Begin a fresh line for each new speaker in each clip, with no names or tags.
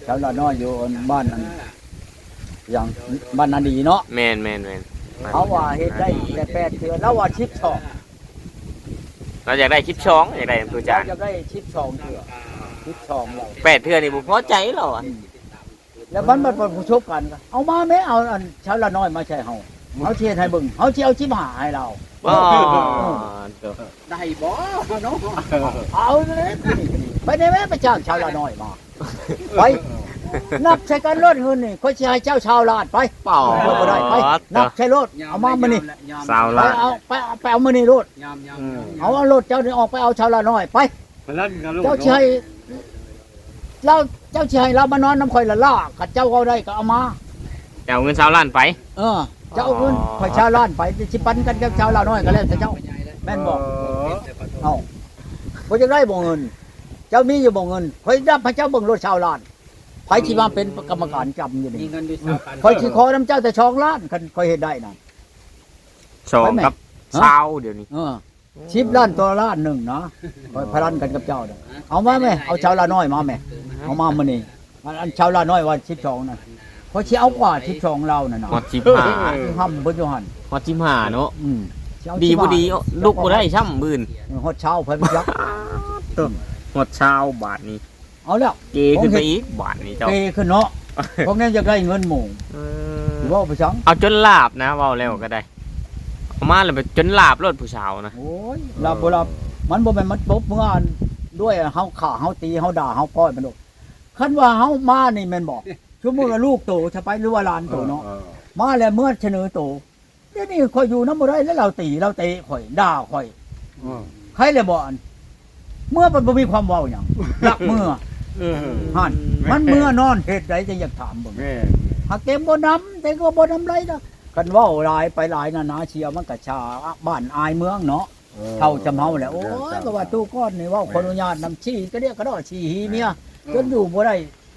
ชาวละน้อยอยู่บ้านนั้นอย่างบ้านนาดีเนาะ
แม่น
เขาว่าเฮ็ดได้แต่8เทื่อแล้วว่าชิปช่อง
เราอยากได้คลิปช้องอยากได้ตัวจาน
จะได้ชิปช่องเทื่อชิปช่องเรา
8เทื่อนี่บ่พอใจเราอ่ะ
แล้วมันเป็นผู้ชกกันเอามาแม่เอาอันชาวละน้อยมาใช่เฮาเขาเชียร์ให้เบิ่งเขาสิเอาชิบหาให้เรา
อ๋อ
ได้บ่เนาะ
เอาเลยไปได้แม่ไปจ้างชาวละน้อยมาไปนับใช้กันรถเงินนี่เขาสิให้เจ้าชาวลาดไป
เปล่า
บ่ได้ไปนับใช้รถเอามามื้อนี้
สาว
ไป
ละ
เอาไปเอามื้อนี้รถ
ยาม
เอารถเจ้านี่ออกไปเอาชาวละน้อยไป
มันลั่นกันลูก
เจ้าชายเราเจ้าชายเรามานอนน้ำข่อยละล่าขัดเจ้าเอาได้ก็เอามา
จะเอาเงินสาวล้านไป
เจ้าเอาเงินข่อยชาวล้านไปสิปันกันกับชาวลาน้อยก็แล้วแต่เจ้าแม่นบอกเอาข่อยจะได้บ่เงิน เจ้ามีอยู่บ่เงินข่อยรับให้เจ้าเบิ่งรถชาวล้านไผสิมาเป็นกรรมการจำอยู่
มี
นี่
เงินด้วยกัน
ข่อยสิขอน้ำเจ้าแต่2 ล้านคันข่อยเฮ็ดได้นั่น
ชองกับสาวเดี๋ยวนี้
10 ล้านตัวล้านหนึ่งนะข่อยพนันกันกับเจ้าเด้อเอามาแม่เอาชาวลาน้อยมาแม่เอามามื้อนี้อันชาวลาน้อยว่า12น่ะข่อยสิเอากว่า12เรานั่นน่ะ
ฮอด15
ห้ำเพิ่นอยู่หั่น
ฮอด15เนาะ
สิเอา
ดีบ่
15
ดีลูกบ่ได้ช่ำมื่น
ฮอดเช้าเพิ่นยัก
ฮอดเช้าบาทนี้
เอาแล้ว
เกขึ้นไปอีกบาทนี้เจ้า
เกขึ้นเนาะพวกนั้นอยากได้เงินหมู่สิเว้าไปจัง
เอาจนลาบนะเว้าแล้วก็ได้เอามาแล้วไปจนลาบรถผู้สาวนะ
โอ้ยลาบ่ลามันบ่แม่นมันปบเมื่ออันด้วยเฮาฆ่าเฮาตีเฮาด่าเฮาป้อยมันดอกคันว่าเฮามานี่แม่นบ่ชั่วโมงละลูกโตจะไปหรือว่าหลานโตเนาะมาแล้วเมื่อเสนอโตเดี๋ยวนี้ข่อยอยู่นำบ่ได้แล้วเราตีเราเตะข่อยด่าข่อยใครเลยบ่อันเมื่อมันบ่มีความเว้าหยังรักเมื่อหั่นมันเมื่อนอนเฮ็ดใดจะอยากถามเบิ่ง
แม่
หากเต็มบ่นำแต่ก็บ่นำไรนะกันเว้าหลายไปหลายนานาเชียวมันก็ชาบ้านอายเมืองเนาะเท่าจำเฮาแหละโอ้ยก็ว่าตู้ก้อนนี่เว้าขออนุญาตนำชี้ก็เรียกก็ดอชี้หีเมียจนอยู่บ่ได้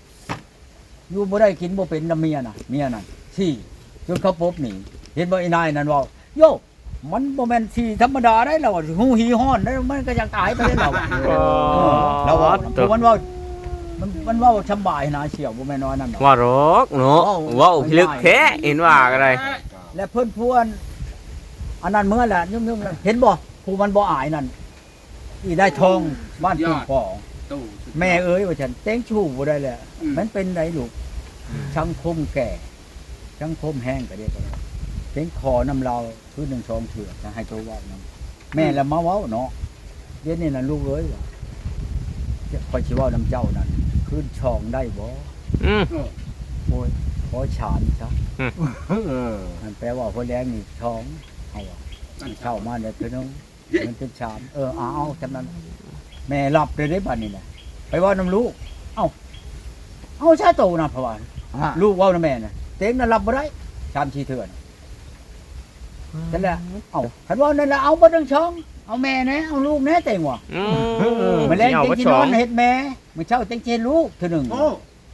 กินบ่เป็นนำเมียน่ะเมียนั่นชี้จนเขาปบหนีเห็นบ่ไอ้นายนั่นเว้าโยมันบ่แม่นชี้ธรรมดาได้แล้วหูหีฮ้อนได้มันก็อยากตายไปได้แล้วเราว่ามันเว้ามันเว้าชำบายนะเชียวบ่แม่นน้อยนั่นดอก
ว่ารกเนาะว้าวพิลึกแท้เห็นว่าก็ได้
และเพิ่นพวนอันนั้นเมื่อแหละยุ่งๆเห็นบ่ผู้มันบ่อายนั่นอีได้ทองบ้านปู่พ่อ
ตู้
แม่เอ้ยว่าฉันเต้งชู้บ่ได้แหละมันเป็นไดลูกชังคมแก่ชังคมแห้งก็เรียกว่าเต้งคอน้ำเราคือ1 2เถื่อจะให้ตัวเว้านํแม่ละมาเว้าเนาะเดี๋ยวนี้น่ะลูกเอ้ยว่าข่อยสิเว้านํเจ้านั่นคืนช่องได้บ่
อืม
โอ้ยขอฉานซะ
เออ
มันแปลว่าคนแรงนี่ท้องเอาอะเข้ามาเนี่ยคือน้องมันเป็นชามเอาจำนั้นแม่รับเลยได้บัดนี้แหละไปว่าน้ำลูกเอาชาโตนะเพราะว่าลูกว่าน้ำแม่น่ะเต็งน่ะรับบ่ได้ชามชีเถื่อนนั่นแหละคันว่านั่นแหละเอาบ่ทั้งช่องเอาแม่แน่เอาลูกแน่เต็งว่ะ
อืม
มาแรง
เอา
เต็ง
บ่
ที่
ช
น
อ
อง นเฮ็ดแม่มื้อเช้าเต็งเจนลูกเทื่อหนึง
โอ้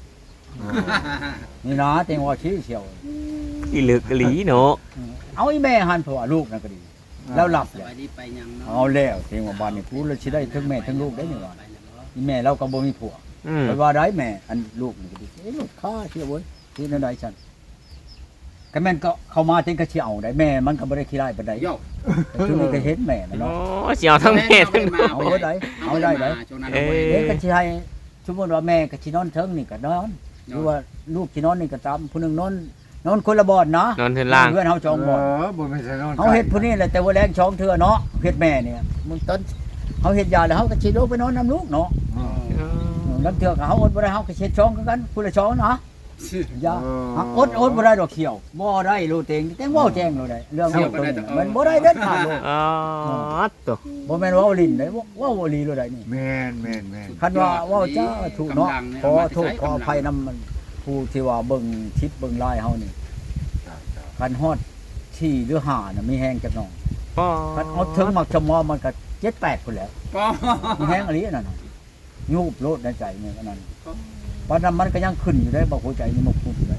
นี่นะเต็งว่าชี้เชียว
อีลึกอีหลีเนาะ
เอาอีแม่หันเพราะว่าลูกนั่นก็ดีแล้วหลับ
ส
เลย
บายดีไปยังเนาะ
เอาแล้วเทียงว่าบ้านนี่พูดแล้วสิได้ทั้งแม่ทั้งลูกได้นี่ว่าอีแม่เราก็บ่มีผัว
อืม
ไปว่าได้แม่อันลูกนี่ก็ดีลูกข้าเที่ยวเว้ยที่นั่นได้ฉันก็แม่นก็เข้ามาถึงก็สิเอาได้แม่มันก็บ่ได้ขี้ร้ายปานใด
โย
แต่ช่วงนี้ก็เห็นแม่มัน
โอ้
เนาะ
สิเอาทั้งแม่ทั้งลูก
เอาได้เอาได้ได้
เอ้
เด็กก็สิให้สมมุติว่าแม่ก็สินอนเทิงนี่ก็นอนหรือว่าลูกสินอนนี่ก็ตามผู้หนึงนอนคนละบ่อนนะ
นอนเทินล่าง
เพื่อนเฮาจองบ่อน
บ่ไม่ใช่นอน
เฮาเฮ็ดผู้นี้แหละแต่ว่าแรงช่องเทื่อเนาะเฮ็ดแม่เนี่ยมึงต้นเฮาเฮ็ดยาแล้วเฮาก็สิลงไปนอนนํลูกเนาะ ลำเทือกเฮาอดบ่ได้เฮาก็เช็ดช่องคือกันผู้ละช่องนะอย่าอดบ่ได้ดอกเขียวบ่ได้โลเต็งแต่งเว้าแจ้งโลได้เรื่องเฮาตัวนี้มันบ่ได้เด็ดขาดโล
อ๋อตัว
บ่แม่นเว้าลิ้นได้เว้าอีหลีโลได้นี่
แม่น
คันว่าเว้าจ้าถูกเนาะขอโทษขออภัยนำมันผู้ที่ว่าเบิ่งคลิปเบิ่งไลน์เฮานี่คันฮอดที่หรือ5น่ะมีแฮงจักหน่อย
อ๋อ
คันเอาถึงมักจะมอมันก็7 8พุ่นแหล้ว
ป้อ
มีแฮงอีหลีนั่นน่ะยูบโลดในใจนี่อันนั้นปานนั้นมันก็ยังขึ้นอยู่ได้บ่หัวใจนี่มันพุ่นอยู่ได้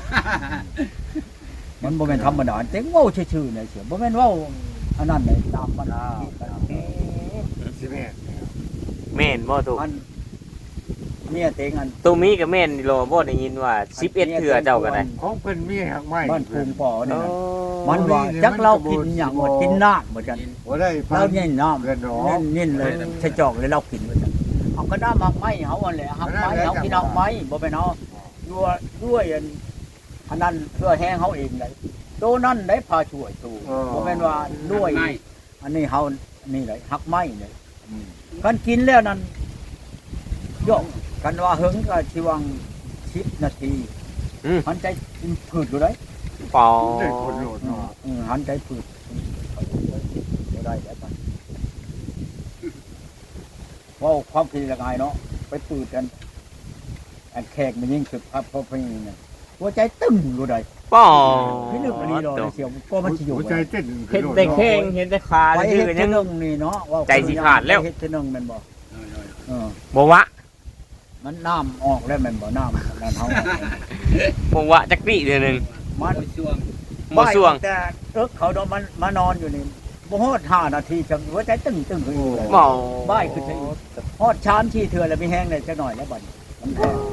มันบ่แม่นธรรมดาเต็งเว้าชื่อๆเนี่ยเสียบ่แม่นเว้าอันนั้นเลยตามมัน
สิแม่น
แม่นบ่ถูก
มันเมียเต็งอัน
ตัวมีก็แม่นนี่โลบ่ได้ยินว่า11เทื่อเจ้าก็ได้
ของเพิ่นมีหักไม้
บ้านภูมิป่อนี่
โอ้
นะมันว่าจักเรากินหยังว่ากินน้ำเหมือนกัน
บ่ได้
เราเนี่ยน้ำ
เงินหนอ
นิ่นเลยใช้จอกเลยเรากินเหมือนกันเอาก็น้ำหักไม้เขาอันแหละหักไม้เขากินหักไม้บ่เป็นเอาด้วยอันนั้นเพื่อแห้งเขาเองเลยโตนั่นได้พาช่วยตูบ่เป็นว่าด้วย
ไม่
อันนี้เขานี่เลยหักไม้เลยกันกินแล้วนั้นโยกกันว่าเฮิงก็ชีวัง10 นาทีหันใจผืดอยู่เลย
ปอ
ได้คนโหลดเนาะ
หันใจผืดบ่ได้แล้วไปว่าความคิดละไงเนาะไปปืดกันอันแขกมันยิ่งสุดครับเพราะพี่เนี่ยหัวใจตึ้มอยู่ได้
ปอ
พี่นึกอันนี้รอเสียวก็มันสิอยู่
หัวใจเต้น
เห็นแต่แข้งเห็นแต่ขา
ไป
ชื่
เฮ็
อ
ด
ยั
เทื่
ง
อนึงนี่เนาะว่า
ใจสิขาดแล้ว
เฮ็ดเทื่อนึงแม่นบ่เออ
บ่วะ
มันน้ำออกแล้วแม่นบ่น้ำนั่นเฮา
บ่วะจักปีเดือนหนึง
มัน
ช่วง
บ่ส่วง
แต่เขาโดนมันมานอนอยู่นี่บ่ฮอด5 นาทีจังหัวใจตึ้งขึ้นอยู่เลย
บ่
บ่ายขึ้นไปอีกฮอดชามที่เทื่อแล้วมีแห้งเลยจักหน่อยแล้วบัดนี้มันแห้ง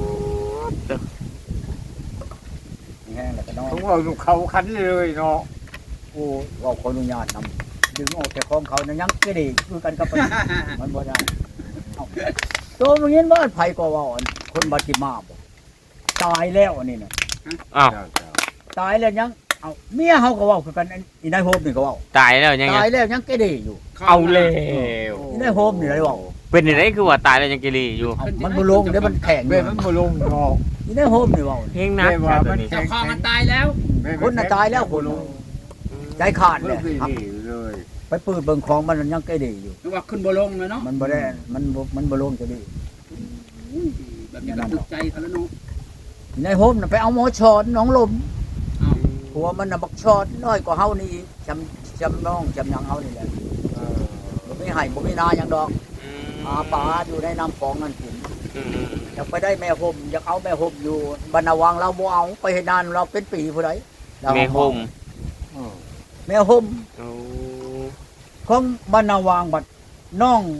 มีแห้งแล้วก็นอน
ผมเอาเขาคันเลยเนาะ
โอ้เราขออนุญาตนำดึงออกจากของเขานะยังก็ดีคือกันกับมัน มันบ่ได้เอาตัวมึงเห็นว่าไผก็ว่าอันคนบาดจิมาบ่ตายแล้วอันนี้น่ะ
อ้าว
ตายแล้วยังเอาเมียเฮาก็เว้าคือกันอีนายโฮมนี่ก็เว้า
ตายแล้วยังไง
ตายแล้วยังก็ดีอยู่
เอาแล้ว
อีนายโฮมนี่ได้เว้า
เป็นจังไดคือว่าตายแล้วยังกิรีอยู่
เอามันบ่ลงเดี๋ยวมันแข็ง
เว้ยมันบ่ลงเนาะ
อีนายโฮมนี่เว้า
เพลงนักแค่ตัวนี้
เจ้าของมันตายแล้ว
คนน่ะตายแล้วคนใจขาด
เล
เลย ยครับ
เลย
ไปปืดเบิ่งของมันยังก็ดีอยู่
นึกว่าขึ้นบ่ลงเลยเนาะ
มันบ่ได้มันบ่ลงจะดี
แบบนี้ก็ตึกใจเขาแล้วเนาะ
อีนายโฮมน่ะไปเอาหมอชอนน้องลม
อ้าว
ผัวมันน่ะบักชอดน้อยกว่าเฮานี่อีกจำน้องจำหยังเฮานี่แหละบ่มีให้บ่มีนาหยังดอกหาปลาอยู่ในน้ำคลองนั่นกินอยากไปได้แม่ห่มอยากเอาแม่ห่มอยู่บรรณวังเราบ่เอาไปให้นานเราเป็นปีผู้ใดเรา
แม่ห่ม
แม่ห่ม
โอ้
ของบรรณวังบัดน้อง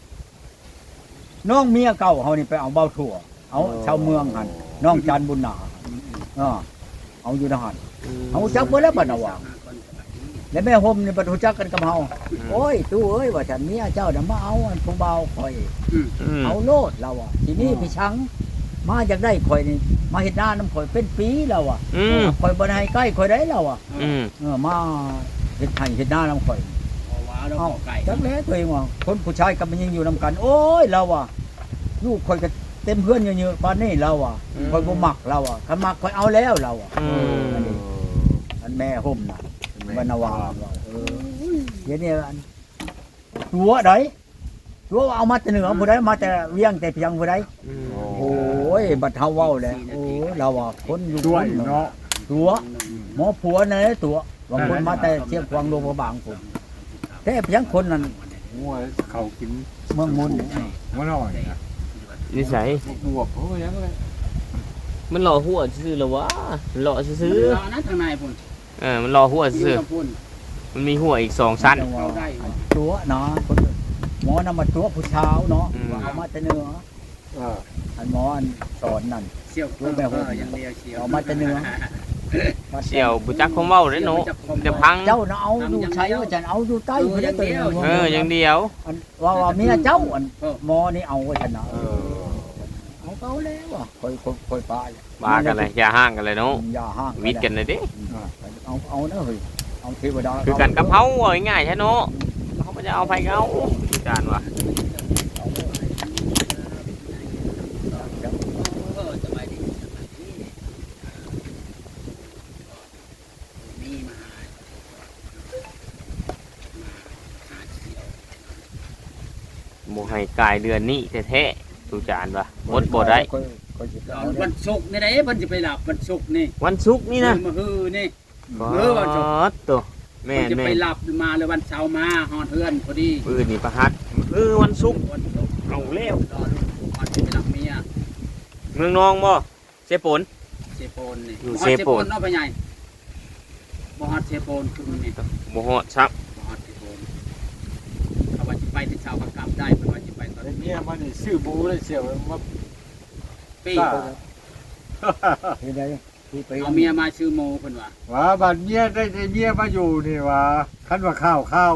เมียเก่าเฮานี่ไปเอาเบาถั่วเอาชาวเมืองหั่นน้องจันบุญนาเอาอยู่ทหารเอาจักบ่แล้วบรรณวัง แล้วแม่ห่มนี่บ่รู้จักกันกับเฮาโอ้ยตู้เอ้ยว่าฉันเมียเจ้าน่ะมาเอาอันผู้เบาข่อย เอาโลดเราอ่ะทีนี้พี่ชังมาจากได้ข่อยนี่มาเฮ็ดหน้าน้ำข่อยเป็นปีแล้วอ่ะข่อยบ่ได้ให้ใกล้ข่อยได้แล้วอ่ะมาเฮ็ดให้เฮ็ดหน้าน้ำข่อย
พอว้าแล้วขอไก่
จักแล้วตัวเองว่าคนผู้ชายกับมันยังอยู่นํกัน โอ้ยเราอ่ะลูกข่อยก็เต็มเพื่อนเยอะๆปานนี้เราอ่ะข่อยบ่มักเราอ่ะคันมักข่อยเอาแล้วเราอ่ะอันแม่ห่มน่ะบรรณวาเดี๋ยวนี้อันตัวใดตัวเอามาแต่เหนือผู้ใดมาแต่เวียงแต่เพียงผู้ใดโอ้ยบัดเฮาเว้าแล้วโอ้เราว่าคนอยู่
ด้วย
คน
เนาะ
ตัวหมอผัวนั่นแหละตัวบางคนมาแต่เชียงควางโรงพยาบาลผมแต่เพียงคนนั้น
งัวเขากิน
เมืองมุน
งัวน้อยนะ
นิสัย
บวบเขาก็ยังเลย
มันหล่อหัวซื่อๆเหรอวะหล่อซื่อ
รอนะทางในพุ่น
มันหล่อหัว
ยื
ซื่อ
นกับพุ่น
มันมีหัวอีก2ชั้น
เข้าได้
ตัวเนาะคนหมอนำมาตัวผู้เช้าเนาะเอามาแต่เหนืออันหมออันสอนนั่น
เสี่ยวยังเดียวเสี่ยว
เอามาแต่เหนือ
เสี่ยวบุจักคงเว้าเด้เนาะจะพัง
เจ้าน่ะเอาอยู่ใช้ว่าฉันเอาอยู่ใต้ผู้ใดตัวหนึ่ง
อย่างเดียว
อันว่าเมียเจ้าอันหมอนี่เอาไว้ชนะเอาเขาแล้วอ่ะค่อยปลา
บ้ากันเลยอย่าห่างกันเลยเนาะ
อย่าห้าง
วิทย์กันเลยดิ
เอานะเฮ้ยเอาเทวดา
คือกันกับเฮาเอาง่ายๆใช่เนาะเขาก็จะเอาไปเขาจานว่ะ
สบายดีมีมาหาเสี่ยว
บ่ให้กายเดือนนี้แท้ๆตูจานว่ะอดบ่ได้
วันศุกร์นี่ได้เพิ่นจะไปหลับวันศุกร์นี่
วันศุกร์นี่นะ
มาฮือนี่
วันศุกร์ตัวแม่
เพิ่นจะ
แม่
ไปหลับมาเลยวันเสาร์มาฮอดเฮือนพอดี
ปืนนี่ประหัดวันศุกร์
วันศุกร์
เอาแล้ว
รอก่อนจะไปหลับเมีย
เมืองนองบ่เสปน
เซโปนนี่
อยู่
ฮอด
เซโปน
เนาะพ่อใหญ่บ่ฮอดเซโปนคือมันนี่
บ่ฮอดซัก
บ่ฮอดเซโปนเขาว่าสิไปที่เช้าก็กลับได้เพิ่นว่าสิไปตอน
ไอ้
นี้
เมียมันนี่ซื้อบูเลยเสียวมา
ปี้
เฮ็ดได้ที่ไป
เอาเมียมาชื่อโมเพิ่นว่า
ว่าบัดเมียได้เมียมาอยู่นี่ว่าคันว่าข้าว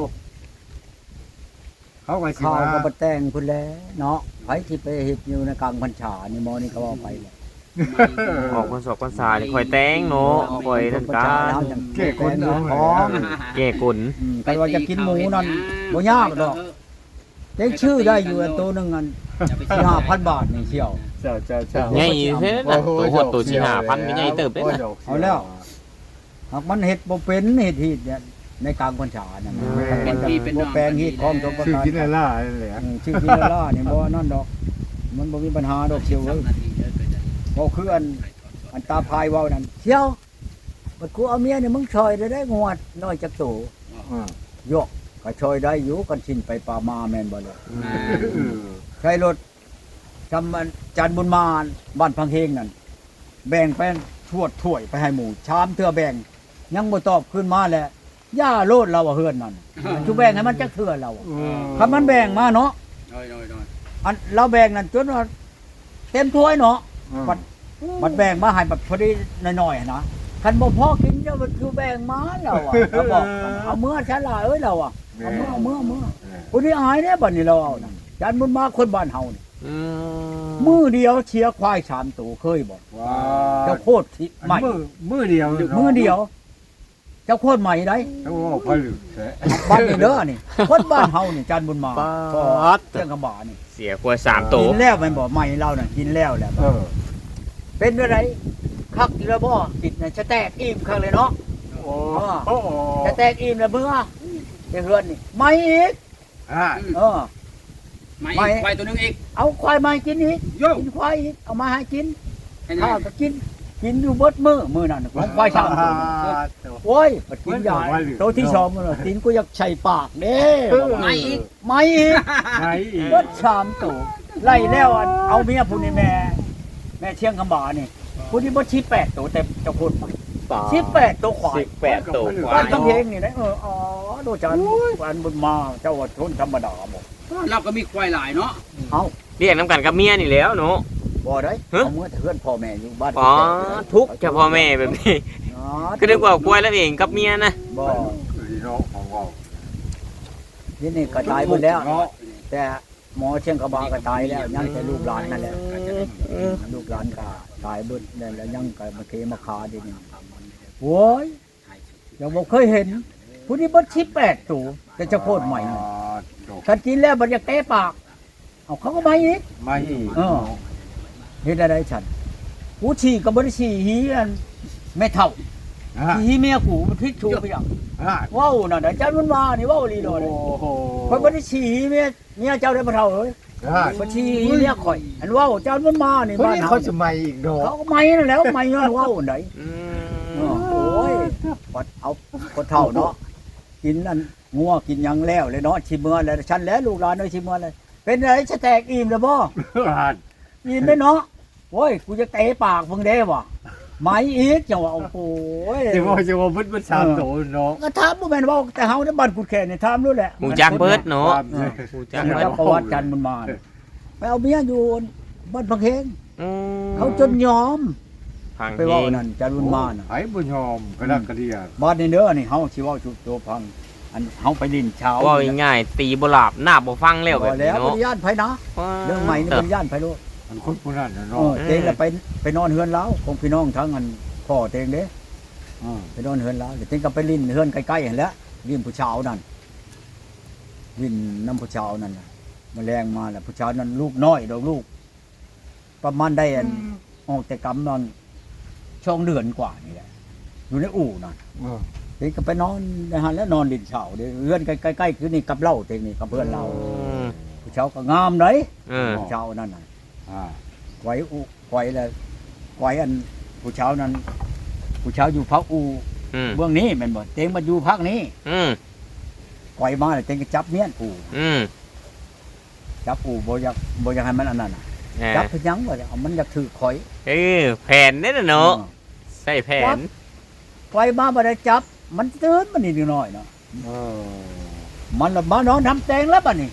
เขาก็สิ
ข้าว
มา
ก็บ่แต่งพุ่นแหล้วเนาะไผที่ไปเฮ็ดอยู่ในกลางพรรษานี่หมอนี่ก็ว่าไปแหละ
ออกพรรษาพรรษานี่คอยแต่งเนาะคอยนั่นกัน
เก้คนเนาะของ
แก่กุน
ใครว่าจะกินหมูนั่นบ่ยากดอกเด็กชื่อได้อยู่อันตัวหนึงอัน5,000 บาทนี่เชียว
เจ้า
ใหญ่เท่นะตัวหดตัวสิ5,000ก็ใหญ่เติบเด้นะ
เอาแล้ว หากมันเฮ็ดบ่เป็นเฮ็ดฮีดเนี่ยในกลางพรรษานั่นบ่แปลงฮีดของสมประ
ชื่อ
การ
กินอะไรนั่นแหละ
ชื่อกินล่านี่บ่นั่นดอก มันบ่มีปัญหาดอกเชียวเอ้ยบ่คืออันตาพายเว้านั่นเชียวบัดกูเอาเมียนี่มึงช่อยได้งวดน้อยจักโตโยกก็ช่อยได้อยู่กันชินไปป่ามาแม่นบ่เลยใช้รถจำมันจันบุญมาบ้านพังเฮงนั่นแบ่งแป้นถ้วยไปให้หมู่ชามเทื่อแบ่งยังบ่ตอบขึ้นมาแหละย่าโลดเราเฮือนนั่นจุแบ่งให้มันจักเทื่อเราคำมันแบ่งมาเนาะ
น้อย
อันเราแบ่งนั่นจนว่าเต็มถ้วยเนาะมันแบ่งมาให้แบบพอดีหน่อยๆนะคันบ่พอกินเจ้าคือแบ่งมาเราอ่ะเราบอกเอาเมื่อฉันล่ะเอ้ยเราอ่ะเอาเมื่อผู้นี้อายเนี่ยบัดนี้เราเอานะจันบุญมาคนบ้านเฮานี่มือเดียวเชียร์ควาย3ตัวเคยบอก
ว้า
เจ้าโคตรที่ใหม่
มือเดียว
มือเดียว เจ้าโคตรใหม่ได้
เขาบอกผลึกแท้
บ้านนี่เด้อนี่คนบ้านเฮานี่จันบุญมา
ป๊าด
เจ้ากระบะนี่
เสียกว่า3ตัว
กินแล้วมันบอกใหม่เราน่ะกินแล้วแหละ เป็นอะไรคักอีแล้วบ่จิตน่ะจะแตกอิ่มคักเลยเนาะ
โอ้โห
จะแตกอิ่มแล้วเบื่อจะเฮือนนี่ไม่อีกเออ
ไม่ควายตัวนึงอีก
เอาควายมากินอีก
โย่
กินควายอีกเอามาให้กิน
ให้
ข้าวก็กินอยู่เบิดมื้อนั่นของควาย3ตัวโอ้ยปัดกินยาตัวที่2มื้อตีนกูอยากใช้ปากเด้
ไม่อีก
ไม่อีก
ไหนอีก
เบิด3ตัวไล่แล้วอันเอาเมียผู้นี้แม่เชียงคำบานี่ผู้นี้บ่ชี้8ตัวแต่เจ้าคนไป18ตัวควาย
18ตัวควา
บ้าน
ย
กำเพงนี่นะอ๋อดูจันวันบุญมาเจ้าว่าชนธรรมดาบ่
เราก็มีควายหลายเนาะ
เอา
เรียกน้ำกันกับเมียนี่แล้วเนาะ
บ่ได้
ฮะ
เอาเมื่อเพื่อนพ่อแม่อยู่บ้าน
อ๋อทุกข์เฉพาะแม่แบบนี้
อ๋อ
คือนึกว่ากล้วยแล้วเองกับเมียนะ
บ่
พี่น้องของเรา
นี่นี่ก็ตายหมดแล้ว แต่หมอเชียงกระบาก็ตายแล้วยังแต่ลูกหลานนั่นแหละลูกหลานก็ตายเบิดแล้วยังก็มาเคมาคาดินี่โว้ยยังบ่เคยเห็น ผู้นี้บ่18ตัวแต่เจ้าโคตรใหม่นี่คันกินแล้วบ่อยากเตะปากเอาเขาก็มาอีก
ไม่อีก
เฮ็ดได้ฉันกูฉี่ก็บ่ได้ฉี่หีอันแม่เฒ่าฉี่หีเมียกูมันพิษชูไปอย่างเว้าน่ะเดี๋ยวเจ้ามันมานี่เว้าลีโลเลย
โอ้โห
ข่อยบ่ได้ฉี่หีเมียเจ้าได้บ่เฒ่าเอ้ยบ่ฉี่หีเมียข่อยอันเว้าเจ้ามันมานี่
คน
บ้าน
นี้
เฮา
เขาจะไม่อีกดอก
เขาก็ไม่นั่นแล้วไม่ย้อนเว้าอันใด
อื
โอ้ยปัดเอาคนเฒ่าเนาะกินอันงัวกินหยังแล้วเลยเนาะชิเมื่อแล้วฉันแล้วลูกหลานเอ้ยชิเมื่อเลยเป็นไรจะแตกอิ่มแล้วบ่ ยินได้เนาะโอ้ย กูจะเตะปากมึงได้วะไหมอีกจังหวะโอ้โห
จะว่ามันสามโตเนาะ
ก็ถามบ่แม่นว่าแต่เฮาในบ้านกูแค่นี่ถามรู้แหละ
หมูจักเบิดเนาะหมูจัก
จัง
เบิด
ประวัติกันมันมาไปเอาเมียอยู่บ้านพังเฮง
อืม
เขาจนยอม
พัง
ไป
เฮ
เว้าง นั่นจันบุญมาน่ะ
ไอ้บุญยอมกระดักกระเดียด
บ้านนี้เด้อนี่เฮาสิเว้าจุดตัวพังอันเฮาไปดินเช้า
ว่าง่ายๆตีบ่หลับหน้าบ่ฟังแล้วแบบ
แล้
นี้
วบ่
เนาะ
ได้ย่านไผนะเรื่องใหม่นี่บ่ได้ย่านไผโลด
มันคนผู้นั้น
เอ
เนาะ
อเตงแล้วไปนอนเฮือนแล้วของพี่น้องทั้งอันพ่อเตงเด้ไปนอนเฮือนแล้วเดี๋ยวเตงก็ไปลิ้นเฮือนใกล้ๆหั่นแหละลิ้นผู้ชาวนั่นลิ้นน้ำผู้ชาวนั่นน่ะแมลงมาแล้วผู้ชาวนั้นลูกน้อยดอกลูก ประมาณได้อันออกแต่กำนอนช่องเดือนกว่านี่แหละอยู่ในอู่นั่นเตงก็ไปนอนในหันแล้วนอนลิ้นเช้าเด้เฮือนใกล้ๆคือนี่กับเล่าเตงนี่กับเพื่อนเราผู้ชาวก็งามเลย ผู้ชาวนั่นน่ะไว้อุไว้แล้วไว้อันผู้ชาวนั้นผู้ชาวอยู่พักอูเบื้องนี้แม่นบ่เต็งมาอยู่พักนี้ไว้มาแล้วเต็งก็จับเมียนอูจับอูบ่อยากให้มันอันนั้นน่ะจับเพิ่นยังว่าเอามันอยากถือข่อย
แผนนี่น่ะเนาะใส่แผน
ไว้มาบ่ได้จับ มันตื่นมันนิดหน่อยเนาะมันละมานอนทำแตงแล้วบัดนี้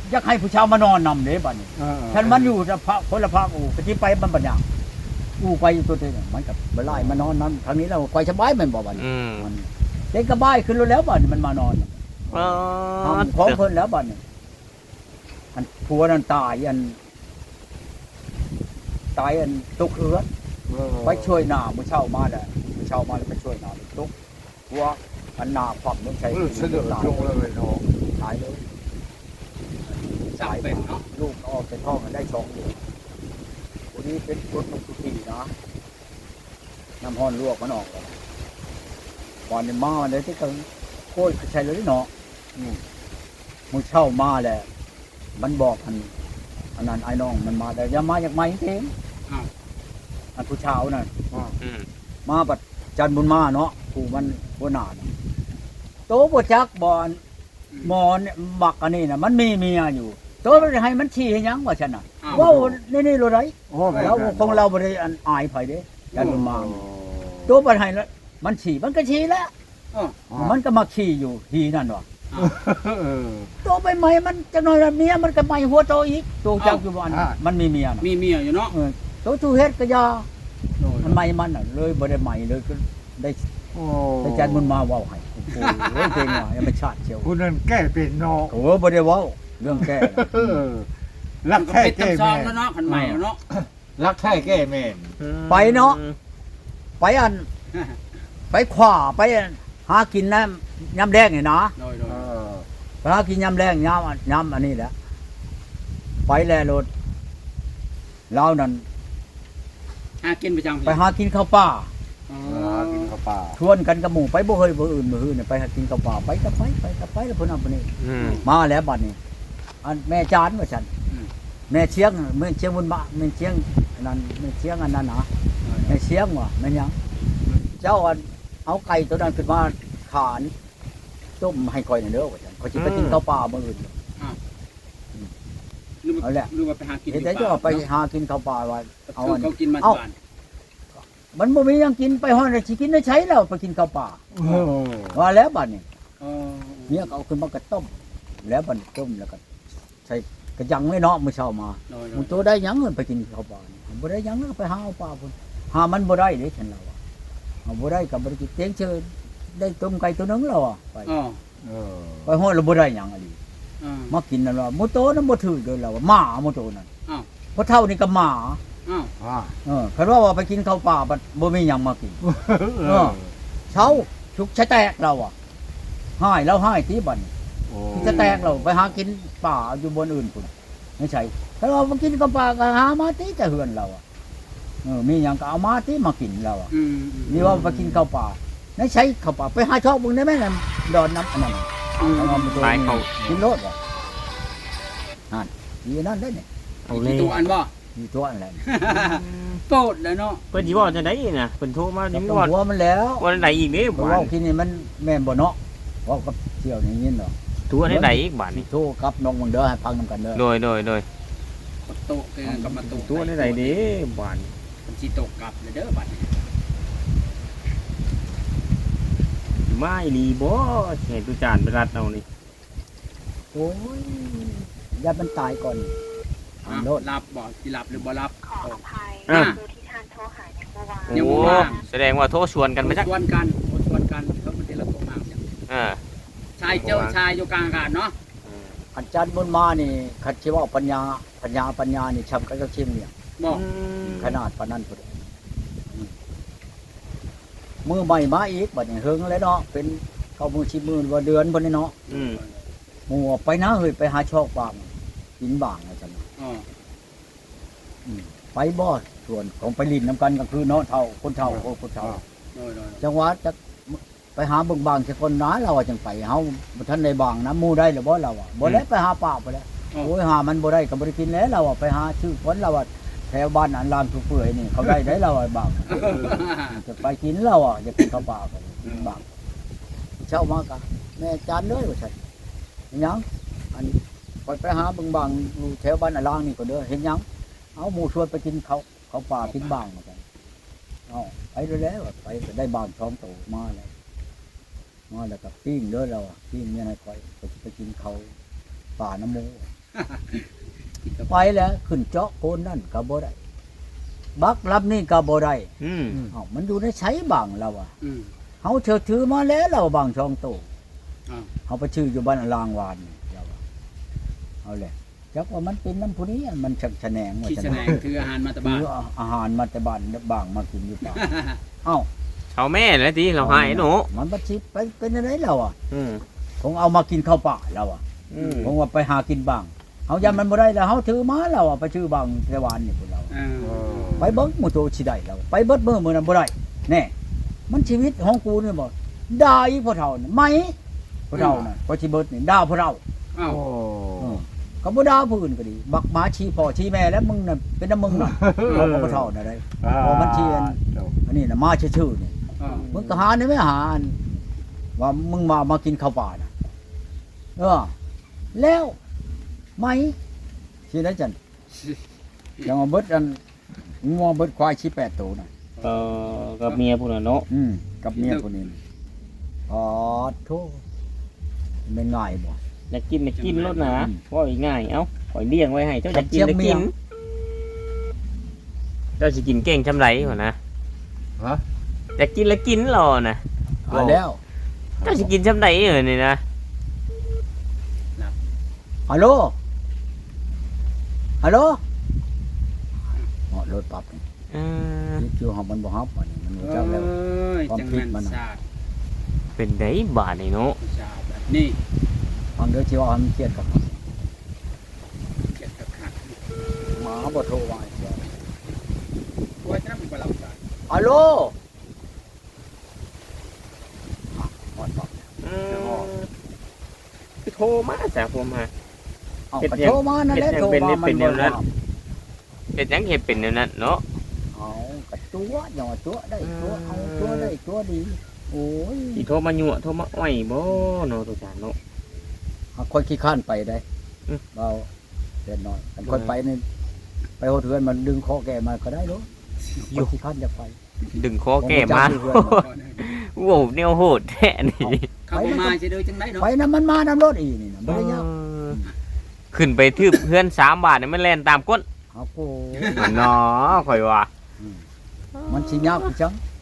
อยากให้ผู้ชาวมานอนนำเด้บัดนี้ฉันมันอยู่จะพระคนละภาคอู่ก็ที่ไปมันบัดอย่างอู่ไปอยู่ตัวเองมันกับบ่ไล่มานอนนั้นทางนี้แล้วคอยสบายแม่นบ่บัดนี้
อืม
มันเด็กก็บายขึ้นรถแล้วบัดนี้มันมานอน
อ๋อ
ทำของเพิ่นแล้วบัดนี้อันผัวนั่นตายอันตกเรือไปช่วยหน้ามื้อเช้ามาได้มื้อเช้ามาแล้วไปช่วยหน้าตกผัวอันหน้าความต้องใช้
เสด็จลงเลยเนาะ
ตายเลย
สายเป็นเนาะ
ลูกออกจากท้องกันได้2 เดือนวันนี้เป็นคนทุกทีนะน้ำห้อนลวกมันออกแล้ววันนี้มาเลยที่กันโคตรใช่เลยเนาะมื้อเช้ามาแหละมันบอกอันนั้นไอ้น้องมันมาแต่อย่ามาจากไม้เองอันผู้เช้านั่น
อืม
มาบัดจันทร์บุญมาเนาะผู้มันหัวหน้าน่ะโตบ่จักบ่อนหมอนบักอันนี้น่ะมันมีเมียอยู่โตมันให้มันชี้ให้หยังว่าฉันน่ะเว้านี่ๆโลดได้แล้วของเราบ่ได้อันอายไผเด้จันทร์บุญมาโตบ่ให้แล้วมันชี้มันก็ชี้แล้วมันก็มาขี้อยู่ทีนั่นว่ะโตไปใหม่มันจักหน่อยแล้วเมียมันก็ใหม่หัวโตอีกโตจักอยู่บ่อันมันมีเมียน่ะ
มีเมียอยู่เนาะ
โตชูเฮ็ดก็ยามันใหม่มันน่ะเลยบ่ได้ใหม่เลยก็ได้แต่จันทร์บุญมาเว้าให้โอ้โหเก่งว่ะยังไม่ชาติเชียว
คุณนั่นแก้เป็นเนาะ
โอ้บ่ได้เว้าเรื่องแก้น่ะ
รัก
ก็
แท้
เป็น
แก้
ตำซอ
แม่
งแล้วเนาะคันใหม่แล้วเนาะ
รักแท้แก้แม่น
ไปเนาะ ไปอันไปขวาไปหากินน้ำยำแดงนี่นะ
โดย
ไปหากินยำแดงยำอันนี้แหละไปแลรถเรานั่น
หากินประจำ
ไปหากินข้าวป่า
กินข้าวปลา
ชวนกันกับหมู่ไปบ่เคยบ่อื่นบ่อื่นไปหากินข้าวป่าไปก็ไปแล้วเพิ่นเอาไปนี่
อืม
มาแล้วบัดนี้อันแม่จานว่าฉันแม่เชียงแม่เชียงบุญบะแม่เชียงอันนั้นแม่เชียงอันนั้นนะแม่เชียงว่ะแม่นหยังเจ้าอันเอาไก่ตัวนั้นขึ้นมาขานต้มให้ข่อยหน่อยเด้อว่าฉันเขาสิไปกินข้าวป่ามื้ออื่น เอาแหละ
หรือว่าไปหากิน
เฮ็ดได้เจ้าไปหากินข้าวป่าว่าเอา
คือ
อัน
เขากินมา
เอ้า
บ้าน
มันบ่มีหยังกินไปฮอดสิกินได้ใช้แล้วไปกินข้าวป่าว่าแล้วบัดนี้ เมียก็เอาขึ้นมากระต้ม แล้วบัดนี้ต้มแล้วก็ใส่กระยังไว้เนาะมื้อเช้ามามึงโตได้หยังเงินไปกินข้าวป่านี่บ่ได้หยังก็ไปหาเอาป่าพุ่นหามันบ่ได้เด้ฉันเราอะเอาบ่ได้ก็บ่ได้กินเตียงเชิญได้ต้มไก่ตัวหนึงแล้วอะไปไปฮอดแล้วบ่ได้หยังอะดิมากินนั่นว่าหมูโตนั้นบ่ถือเลยแล้วว่าหมาหมูโตนั่นเพราะเท่านี้ก็หมาคันว่าไปกินข้าวป่าบัดบ่มีหยังมากินเช้าชุกชะแตกเราอ่ะหายแล้วหายที่บัดนี้จะแตกเราไปหากินป่าอยู่บนอื่นพุ่นไม่ใช่ถ้าเราไปกินข้าวป่าก็หามาที่จะเฮือนเราอ่ะมีหยังก็เอามาที่มากินเราอ่ะนี่ว่าไปกินข้าวป่าไม่ใช่ข้าวป่าไปหาชอบมึงได้ไหมนั่นดอนน้ำอันนั้น
ตายเขา
กินโลดว่ะนั่นอีนั่นได้เนี่ย
เอาเลย
ตัวอันบ่
มีตัวอะไร
โปรดเลยเนาะ
เพิ่นสิเว้าจังได๋น่ะเพิ่นโทรมา
ต้
นี่
อง
มีว่า
หัวมันแล้ว
ว่าจังได๋อีกเด้
เพราะ
บา
ว่า
ด
ที่นี่มันแม่นบ่เนาะเว่ากับเที่ยวนี่ยินเนาะ
ตัวจังได๋อีกบาด
สิ
นี่
โทรกับน้องมึงเด้อให้ฟังนำกันเด้อ
โดย
โตะกับมาโตะ
ตัวจังได๋เด้บาดนี่
มันสิตกกลับเลยเด้อบัดนี้
มาอีหลีบ่สิให้ตุจานไปรัดเอานี่
โอ้ยอย่ามันตายก่อนโลด
รับบ่สิรับหรือบ่รับ
ขออภัย
อ่ะ
คือที่ทานโทรหาอย่างเมื่อวาน
ยัง
โอ้
บ่ว่าง
แสดงว่าโทรชวนกันไปจัก
ชวนกันเขาบ่ได้ละโตมากจัง ชายเจ้าชายอยู่กลางอากาศเนาะ
อันจันทร์บุญมานี่คันสิเว่าปัญญานี่ชำกันกับชิมเนี่ย
บ่
ขนาดปานนั้นพุ่นมือใหม่มาอีกบัดนี้เฮิงแล้วเนาะเป็นเข้ามือชิมือว่าเดือนพุ่นนี่เนาะ
อืม
หมู่ออกไปนะเฮ้ยไปหาชอกบางกินบางว่าซั่น
อ๋อ
ไปบ่ส่วนของไปลินน้ำกันก็คือเนาะเท่าคนเท่าคนเท่า
โดย
จังหวัดจะไปหาเบิ่งบางสักคนน้าเราอะจังไปเฮาบ่ทันได้บางน้ำหมู่ได้หรือบ่เราอะบ่แล้วไปหาป่าไปแล้วโอ้ยหามันบ่ได้ก็บ่ได้กินแล้วเราอะไปหาชื่อคนเราอะแถวบ้านอันลามทุเปื่อยนี่เขาได้เราอะบางจะไปกินเราอะจะกินข้าวป่าก็กินบางเช้ามาก็แม่จานเลยว่าซั่นเห็นหยังอันไปหาเบิ่งบางอยู่แถวบ้านอันลางนี่ก็เด้อเห็นหยังเอาหมู่ชวนไปกินเขาป่ากินบางเหมือนกันเอาไปแล้วไปได้บางท้องโตมาแล้วก็ปิ้งเด้อเราปิ้งเนี่ยให้คอยไปกินเขาป่าน้ำมูไปแล้วขึ้นเจาะโคนนั่นก็บ่ได้บักรับนี่ก็บ่ได้
อืม
เอ้ามันอยู่ในใช้บังแล้วอ่ะ
อืม
เฮาเชิดถือมาแล้วเราบังช่องโต
อ้าว
เฮาไปชื่ออยู่บ้านลางวานนี่เราว่าเอาแหละจักว่ามันเป็นน้ำผู้นี้มันชักแฉนงว่า
ขี้
จะ
แสดงถืออาหารมาตะบาน
ถืออาหารมาแต่บ้านบางมากินอยู่ป่าเอ้า
เอาแม่แล้วทีเราหายหนู
มันบัดสิไปเป็นอะไรเราอ่ะ
อืม
คงเอามากินข้าวป่าเราอ่ะ
อืม
คงว่าไปหากินบ้างเฮายันมันบ่ได้แล้วเฮาถือมาเราอ่ะไปชื่อบางเทวานนี่พวกเรา ไปเบิ่งหมู่โตสิได้แล้วไปเบิดมื้อนั้นบ่ได้แน่มันชีวิตของกูนี่บ่ด่าอีพ่อเฒ่านี่ไหมพ่อเฒ่าน่ะพอสิเบิดนี่ด่าพ่อเฒ่า
อ้าว
ก็บ่ด่าผู้อื่นก็ดีบักหมาชี้พ่อชี้แม่แล้วมึงน่ะเป็นน้ำมึงน่ะเอาพ่อเฒ่าน่ะได้พอมันชี้อันนี้น่ะมาชื่อๆนี่
อ้าว
มึงก็หาได้ไม่หาอันว่ามึงมากินข้าวป่าน่ะแล้วไหมสิได้จันยังเอาเบิดอันงัวเบิดควายชี้8ตัวน่ะ
กับเมียพุ่นน่ะเนาะ
กับเมียคนนี้อ๋อโทษเป็นง่ายบ่
อยากกินรถนะว่าง่ายเอ้าปล่อยเลี้ยงไว้ให้เจ้าอยากกิน
เจี๊ยบเมี
กิ
ย
นเจ้าสิกินเก่งชำไรหัวนะ
ฮะ
อยากกินแล้วกินรอนะ
เอาแล้ว
เจ้าสิกินชำไรเหรอนี่นะ
ฮัลโหลฮัลโหลเหาะรถปรับนี่
เออ
นี่คือหอมมันบ่ฮับอันนี้มันรู้
เอ้
จักแล้ว
ย
ความ
จัง
ผิ
แม่
ด
น
มันน่ะ
ศาสตร์
เป็นไดบาดนี่เนาะ
ศาสตร์แบบนี้
ฟังเด้อสิว่ามันเครียดกับมัน
เก็บกับขัด
หมาบ่โทรว่าอีกแล้ว
ไว้ถ้ามันบ่เราศาสตร์
ฮัลโหลฮอดปรับ
คือโทรมาจากผมฮะ
เอา
เฮ็ด
ก็
ยัง
โทรมานั่นแหละ
เฮ็ดยัง
โทร
เป็น
มามัน
เป็นแน
บ่
วนั้น
รับ
เฮ็ดหยังเฮ็ดเป็นแนวนั้นเนาะ
เอากระตัวอย่าว่าตัวได้ตัวเอาตัวได้ตัวดีโอ้ย
สิโทรมายั่วโทรมาอ้อยบ่เนาะทุกท่านเนาะ
หากคนขี้ข้านไปได้
อืม
เราเล็กน้อยแต่คนไปนี่ไปโหดเทือนมันดึงคอแกมาก็ได้เนาะคนขี้ข้านจะไป
ดึงคอแก้มา
ผมบ่จักเพื่อน
โว้แนวโหดแท้นี่
เข้าบ่มาสิเด้อจังได๋เนาะ
ไปนะมันมาน้ำรถอีนี่นะไม่ได้ยาก
ขึ้นไปทืบเพื่อน3 บาทนี่มันแล่นตามก้น
ครับโอ้
เนาะข่อยว่า
มันชิยากจัง